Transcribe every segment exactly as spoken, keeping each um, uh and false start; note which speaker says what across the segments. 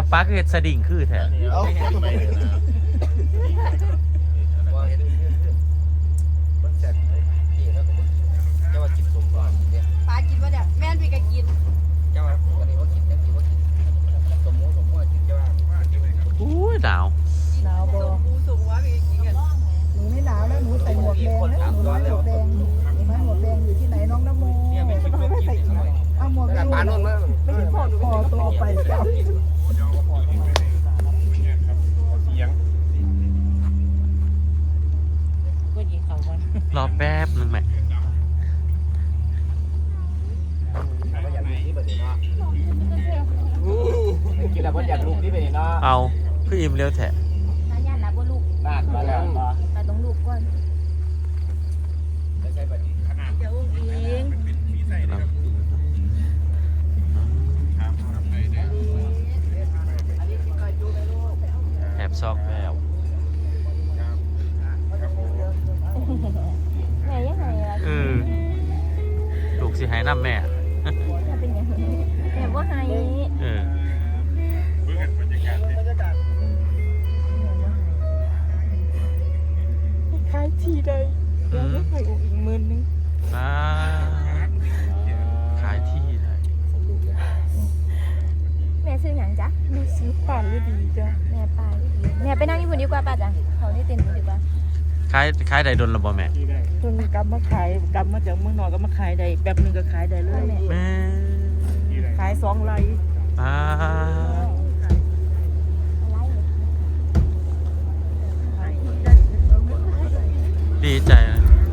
Speaker 1: ป้าคือเห็ดสดิ่งคือแท้
Speaker 2: เอา
Speaker 3: ป้ากินว่าเดี๋ยวแม่พี่ก็กิน
Speaker 1: อุ้ยหนาว
Speaker 4: หนาวบ่
Speaker 3: หมูสูงว่าพี่ก็กินกัน
Speaker 4: หนูไม่หนาวนะหนูใส่หมวกแดงนะหนูน้อยหมวกแดงหนูน้อยหมวกแดงอยู่ที่ไหนน้องน้ำโมเอาหมวกแดงไม่เห็นพ่อหนูพ่อตัวไปเจ้าร
Speaker 1: อแป๊บนึงแม่
Speaker 2: กินแล้วก็อยากลุกนี่ไปเนาะ
Speaker 1: เอาคืออิ่มเร็วแท้
Speaker 3: น้าญาตินะบ่ลูก
Speaker 2: บ้านมาแล้วมา
Speaker 3: ไปต้องลูกก่อน
Speaker 2: ไม่ใช่แบบนี้ขนาด
Speaker 3: เดี๋ยวอุ้งอิง
Speaker 1: แอบซอกแวว
Speaker 3: แม่ยังไงล่ะ
Speaker 1: เออลูกสิให้น้ำแม่
Speaker 3: แม่เป็นยังไงแม่บ่ให้
Speaker 1: เออ
Speaker 4: ขายทีใดเดี๋ยวไม่ขายอีกหมื่นนึง
Speaker 1: อ่าขายที่ได้
Speaker 3: แม่ซื้อหยังจ๊ะ
Speaker 4: แม่ซื้อป่านฤดีจ้ะ
Speaker 3: แม่ปลาดีแม่ไปนั่งญี่ปุ่นดีกว่าป้าจ้ะเขาที่เต็นท์ดีกว่า
Speaker 1: ขายขายได้ดนระบ่แม่
Speaker 4: จนกลับมาขายกลับมาจากเมืองนอกก็มาขายได้แบบนึงก็ขายได้เลย
Speaker 1: แม่
Speaker 4: ขายสองไร่
Speaker 1: อ่า ดีใจนะ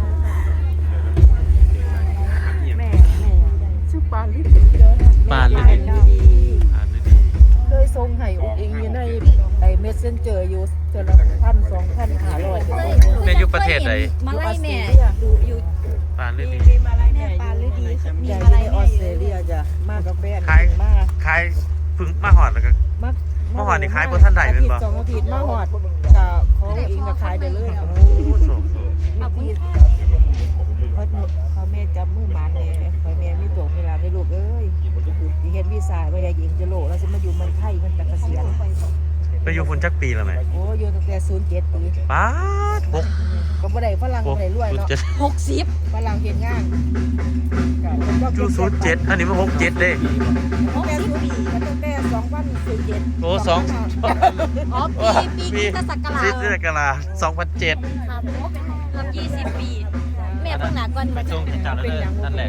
Speaker 4: แม่แม่ชื่อปานฤดีจ้ะ
Speaker 1: ปานฤดี อ่านได้ดี
Speaker 4: เคยส่งให้อุ้งอิงอยู่ในไอ้เมสเซนเจอร์อยู่เจอละพันสองพันห้าร้อย
Speaker 1: แม่อยู่ประเทศไหน
Speaker 3: มาไล่แม่ดูอยู่
Speaker 1: ปานฤดี
Speaker 3: แม่ปลาฤดีมี
Speaker 4: ใหญ่
Speaker 3: มาไล่
Speaker 4: ในอ
Speaker 3: แม่
Speaker 4: อส
Speaker 3: อ
Speaker 4: เตร
Speaker 3: ยู่
Speaker 4: เลียจ้ะมากาแฟ
Speaker 1: ขาย
Speaker 4: มาก
Speaker 1: ขายเพึ่งมาหอดแล้วก็
Speaker 4: มาก
Speaker 1: เมื่อวานนี้ขายบนท่านใดเป็นบ่
Speaker 4: อาทิตย์สองอาทิตย์มาหอดกับของอิงก็ขายได้เลย
Speaker 1: โอ้โห
Speaker 4: อาทิตย์เพราะเขาแม่จำมือหมันเนี่ยคอยแม่มีตัวเวลาในลูกเอ้ยที่เห็นวีซ่าว่าอยากยิงจะโลแล้วจะมาอยู่เมืองไทยมันจะเกษียณ
Speaker 1: ไปอยู่ฝุ่นจักปีแล้วไหม
Speaker 4: โอ้อยู่ตั้งแต่ศูนย์เจ็ดปี
Speaker 1: ป้าดหก
Speaker 4: ก็บ่ได้ฝรั่ง
Speaker 1: ห
Speaker 4: บ่
Speaker 1: ก
Speaker 4: ได้รวย
Speaker 1: ศูนย์
Speaker 4: เนาะ
Speaker 1: เจ็ด
Speaker 3: หกสิบ
Speaker 4: ฝรั่งเฮ็ดงานก็
Speaker 1: จูศูนย์เจ็ดอันนี้มันหกเจ็ดเด้
Speaker 3: หกสิบปี
Speaker 4: ตั้งแต่สองพันศูนย์เจ็ด
Speaker 1: โอ้สอง
Speaker 3: อ๋อปีปีคริสตศักรา
Speaker 1: คริ
Speaker 3: ช
Speaker 1: สตศักราชสองพันเจ็ด
Speaker 3: ครับเกือบยี่สิบปี แม่เพิ่งหนาก่อน
Speaker 1: ไปส่งที่จานแล้วเด้อนั่นแหละ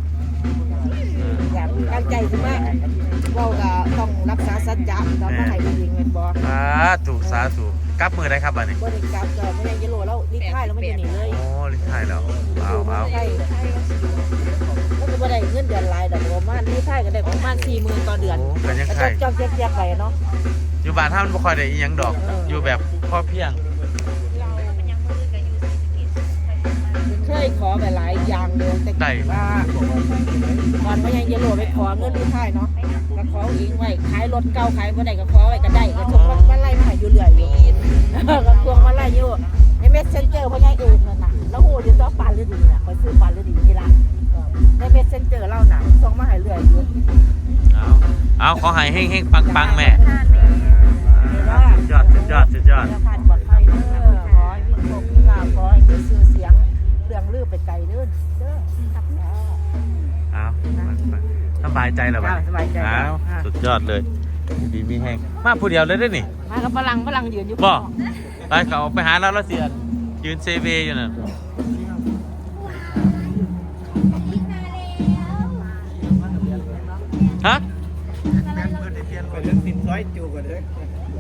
Speaker 4: อยากตั้งใจขึ้นมาเว้าก็ต้องรักษาสัจจะตอนมาให้ผู้หญิงแม่นบ่
Speaker 1: สาธุสาธุกลับมือได้ครับบัดนี้
Speaker 4: บ่ได้กลับก็บ่ได้จะโลแล้วรีท้ายแล้วมันจะหนีเลย
Speaker 1: โอ้ลิ้นไทยแล้วเอาเอา
Speaker 4: ใช่มันก็บ่ได้เงินเดือนหลายดอกประมาณรีท้ายก็ได้ประมาณสี่หมื่นต่อเดือน
Speaker 1: โอ้กันยัง
Speaker 4: ก็
Speaker 1: ไง
Speaker 4: จอกๆแยกๆไปเนาะ
Speaker 1: อยู่บ้านท่ามันบ่ค่อยได้อีหยังดอก อยู่แบบพอเพียง
Speaker 4: เคยขอไปหลายอย่างเลยแต่
Speaker 1: ได้
Speaker 4: ว่าก่อนว่ายังจะโหลดไปขอเงินรีท้ายเนาะก็ขอเองไว้ขายรถเก่าขายบ่ได้ก็ขอไว้ก็ได้ก็ทุกวันวันไล่มาให้อยู่เรื่อยอยู่ก็ทวงวันไล่อยู่ในเมสเซนเจอร์พ่อใหญ่เอกนั่นน่ะแล้วโหอยู่ตัวปานฤดีน่ะคอยซื้อปานฤดีนี่ล่ะในเมสเซนเจอร์เล่าน่ะส่งมาให้เรื่อยอยู่
Speaker 1: เอาเอาขอให้เฮงๆปังๆแม่
Speaker 4: ว่า
Speaker 1: สุดยอดสุดยอดสุดยอด
Speaker 4: เดี๋วผ่านปลอดภัยเด้อขอให้มีโชคมีลาภขอให้มีชื่อเสียงเรื่องลือไปไกลเด้อเด้อครับ
Speaker 1: เอาสบายใจแล้วบัด
Speaker 4: จ้าสบายใจ
Speaker 1: เอา
Speaker 4: ค่ะ
Speaker 1: สุดยอดเลยดีมีแห้งมาผู้เดียวเลยได้อนี่
Speaker 4: มากับฝรั่งฝรั่งยืนอยู่
Speaker 1: บ่ไปเขาไปหาเราแล้วเสียยืนเซเวอยู่น่ะฮะ
Speaker 2: ไปเรื่องสินซ้อยจูกันเลย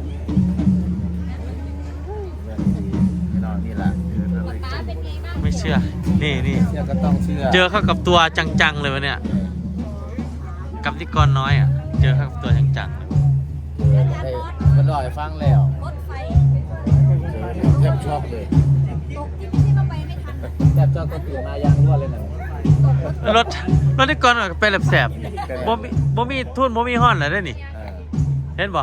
Speaker 2: นี่แหละ
Speaker 1: ไม่เชื่อ นี่นี่
Speaker 2: เชื่อก็ต้องเชื่อ
Speaker 1: เจอเข้ากับตัวจังๆเลยวะเนี่ย กับนิกรน้อยอ่ะ เจอเข้ากับตัวจังๆเลย
Speaker 2: ได้มันลอยฟังแล้ว
Speaker 3: รถไฟ
Speaker 2: แทบช็อกเลย
Speaker 3: ตกที่ไม่ใช่ว่าไปไม่ทัน
Speaker 2: แทบช็อกก็ตื่นมายางรั่วเลยนะ
Speaker 1: รถรถนิกรก็เป็นแสบๆบ่มีบ่มีทุนบ่มีห้อนเลยได้อนี่ เห็นบ่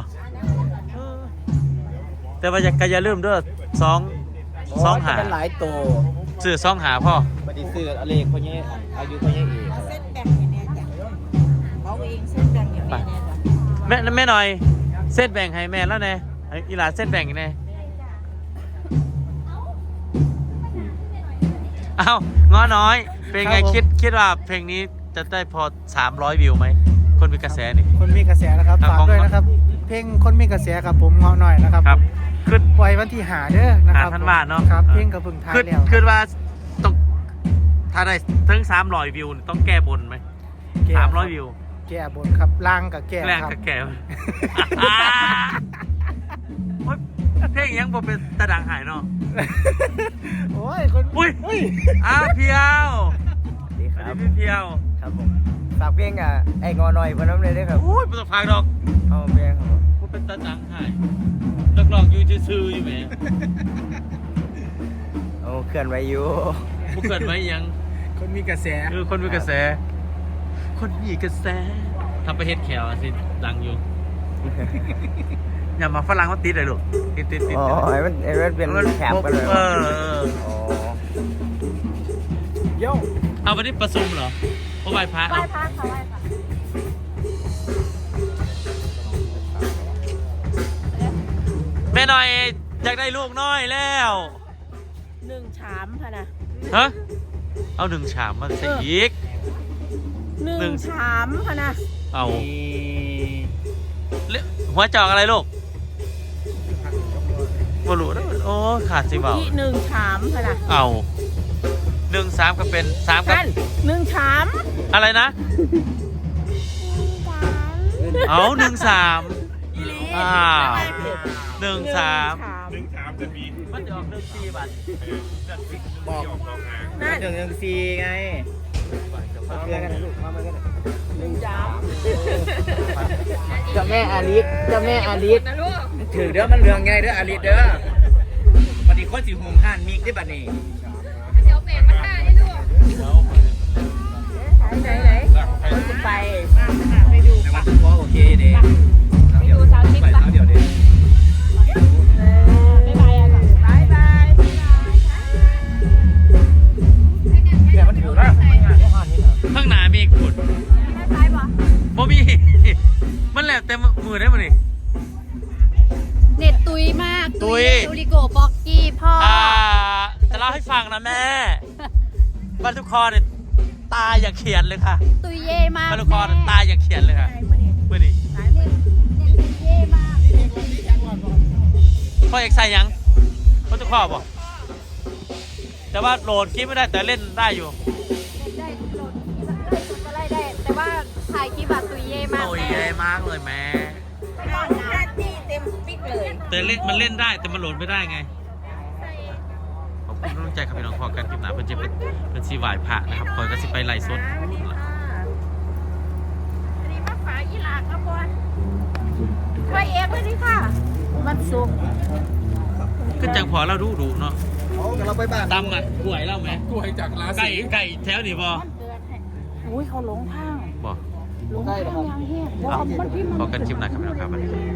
Speaker 1: แต่ว่าอย่าก็อย่าลืมเด้อสองสองหา
Speaker 2: เป็นหลายโต
Speaker 1: ซื้อสองหาพ่อ
Speaker 2: บัดนี้ซื้ออะไรคนนี้อายุคนนี้อีก
Speaker 4: เอาเส้นแบ่งให้แน่จ้ะเขาเองเส้นแบ่งให้แม่แน่จ้ะ
Speaker 1: แม่แม่หน่อยเส้นแบ่งให้แม่แล้วแน่อีหลาเส้นแบ่งแน่เอ้าง้อน้อยเป็นไงคิดคิดว่าเพลงนี้จะได้พอสามร้อยวิวไหมคนมีกระแสนี่
Speaker 2: คนมีกระแสนะครับ
Speaker 1: ครับ
Speaker 2: ฝากด้วยนะครับ เพลงคนมีกระแสครับผมเงาะหน่อยนะครับ
Speaker 1: ครับขึ้น
Speaker 2: ปล่อยวันที่หาเด้อนะครับ
Speaker 1: หาธันวาเนอะ
Speaker 2: ครับเพลงกับเพิ่งทาย
Speaker 1: ขึ้น
Speaker 2: แล้ว
Speaker 1: ขึ้นว่าต้องถ้าได้ถึงสามร้อยวิวต้องแก้บนไหม
Speaker 2: แก้
Speaker 1: สามร้อยวิว
Speaker 2: แก้บนครับล่างกับแก้
Speaker 1: แรง
Speaker 2: ครับ
Speaker 1: กับแก้โอ๊ยเพลงยังบ่เป็นตะดังหายเนาะ
Speaker 2: โอ้ยคน
Speaker 1: อุ้ย
Speaker 2: อุ้ย
Speaker 1: อ้าวเพียว
Speaker 5: ดีค
Speaker 1: สวั
Speaker 5: รั
Speaker 1: ส
Speaker 5: บ
Speaker 1: ดีพี่เพียว
Speaker 5: ครับผมฝากเพลงอ่ะไอ้งอหน่อยเพิ่นน้ำเลยเด้อครับ
Speaker 1: โอ้ยไม่ต้องฟังดอก
Speaker 5: เอาเพลงครับผม
Speaker 1: กูเป็นตะดังหายนักร้องอยู่ซื่อๆอยู่แหม
Speaker 5: เอาเคลื่อนไหวอยู่
Speaker 1: บุกเกิดไว้ยัง
Speaker 2: คนมีกระแส
Speaker 1: คือคนมีกระแส คนมีกระแสทำไปเฮ็ดแขวอะสิดังอยู่ อย่ามาฝรั่งเขาติดเลยลูกติดติดติด
Speaker 5: อ๋อไอ้มันไอ้มันเป็นแถบกันเลย
Speaker 1: เออเออ
Speaker 5: อ๋อ
Speaker 2: โย่
Speaker 1: เอาวันนี้ประชุมเหรอโอ้ไหว้พระ
Speaker 3: ไหว้
Speaker 1: เอา
Speaker 3: พระค่ะไหว้พระ
Speaker 1: แม่หน่อยอยากได้ลูกน้อยแล้ว
Speaker 4: หนึ่งชามค่ะนะ
Speaker 1: ฮะเอาหนึ่งชามมาใส่อีก
Speaker 4: ห
Speaker 1: หนึ่
Speaker 4: นึ่ง
Speaker 1: ง
Speaker 4: ชามค่ะนะ
Speaker 1: เอาเละหัวจอกอะไรลูกบรูนะโอ้ขาดสิเบา
Speaker 4: ที่หนึ่งชามค่ะนะ
Speaker 1: เอาหนึ่งสามก็เป็นสามกับ
Speaker 4: ท่านหนึ่งชาม
Speaker 1: อะไรนะ เอาหนึ่งสามอ้าวหนึ่งสาม
Speaker 4: หนึ่งชาม
Speaker 1: มันจะออกหนึ่งสี่บาท
Speaker 2: บอก
Speaker 4: นั่น
Speaker 2: หนึ่งหนึ่งสี่ไงมาเพื่อนกันนะลูกมาเพื่อนกันนะ
Speaker 4: หนึ่งชาม
Speaker 5: เจ้าแม่อาลิสเจ้าแม่อาลิส
Speaker 4: นะลูก
Speaker 2: ถือเด้อมันเรื่องไงเด้ออาริเด้อบัดนี้คนสิหุมห่านมีกได้บัดนี้
Speaker 3: เดี๋ยวเปลี่ยนมาท่าให้ลูก
Speaker 4: ไหนไหนคนจะไปไปดู
Speaker 2: ในวัดก็โอเคเด้
Speaker 4: ไปดูสาวชิค
Speaker 2: ไป
Speaker 4: ปะ
Speaker 2: เท้าเดียวเด้
Speaker 4: บ๊ายบายอ่ะก่อนบ๊ายบาย
Speaker 2: เดี๋ยวมันถือนะ
Speaker 1: ข้างหน้ามีอีกขุด
Speaker 3: ไม่ไปปะ
Speaker 1: บ่มี มันแหลมเต็มมือได้มั้ยนี่
Speaker 3: เน็ตตุยมาก
Speaker 1: ตุย
Speaker 3: ตุลิโกบอกกี้พ่ออ
Speaker 1: อ่าจะเล่าให้ฟังนะแม่บรรทุกคอเนี่ยตาอย่าเขียนเลยค่ะ
Speaker 3: ตุยเย่มาก
Speaker 1: บรรทุกคอเนี่ยตาอย่าเขียนเลยค่ะเมื่อนี้
Speaker 3: เน็ตเน็ตตุยเย่มาก
Speaker 1: พ่อเอกใส่ยังบรรทุกคอบอกแต่ว่าโหลดคลิปไม่ได้แต่เล่นได้อยู่
Speaker 3: เน็ตได้โหลดได้สุดก็ไล่ได้ แต่ว่าถ่ายคลิปแบบตุยเย่มาก
Speaker 1: โอ้ย
Speaker 3: แม่
Speaker 1: ใหญ่มากเลยแม่
Speaker 4: หน้าที่เต็มปิ๊กเลย
Speaker 1: แต่เล่นมันเล่นได้แต่มันโหลดไม่ได้ไงขอบคุณน้องใจครับพี่น้องพอกันคลิปหนาเป็นจะเป็นเป็นซีวายพระนะครับคอยก็สิไปไล่สด
Speaker 4: อันนี้มาฝากยี่หลากครับบอลไว้เอฟเลยนี่ค่ะ มันสุก
Speaker 1: ขึ้นจังพอเราดูดูเนาะ
Speaker 2: เอากันเราไปบ้าน
Speaker 1: ตำอ่ะกล้วยเล่าไหม
Speaker 2: กล้วยจากลา
Speaker 1: ไก่ไก่แถวนี่บอ
Speaker 4: มันเกิดให้อุ้ยเขาหลงทาง
Speaker 1: บอ
Speaker 4: หลงทางยังเฮี้ยบอกมันพี่มัน
Speaker 1: พอกันคลิปหนาครับพี่น้องครับ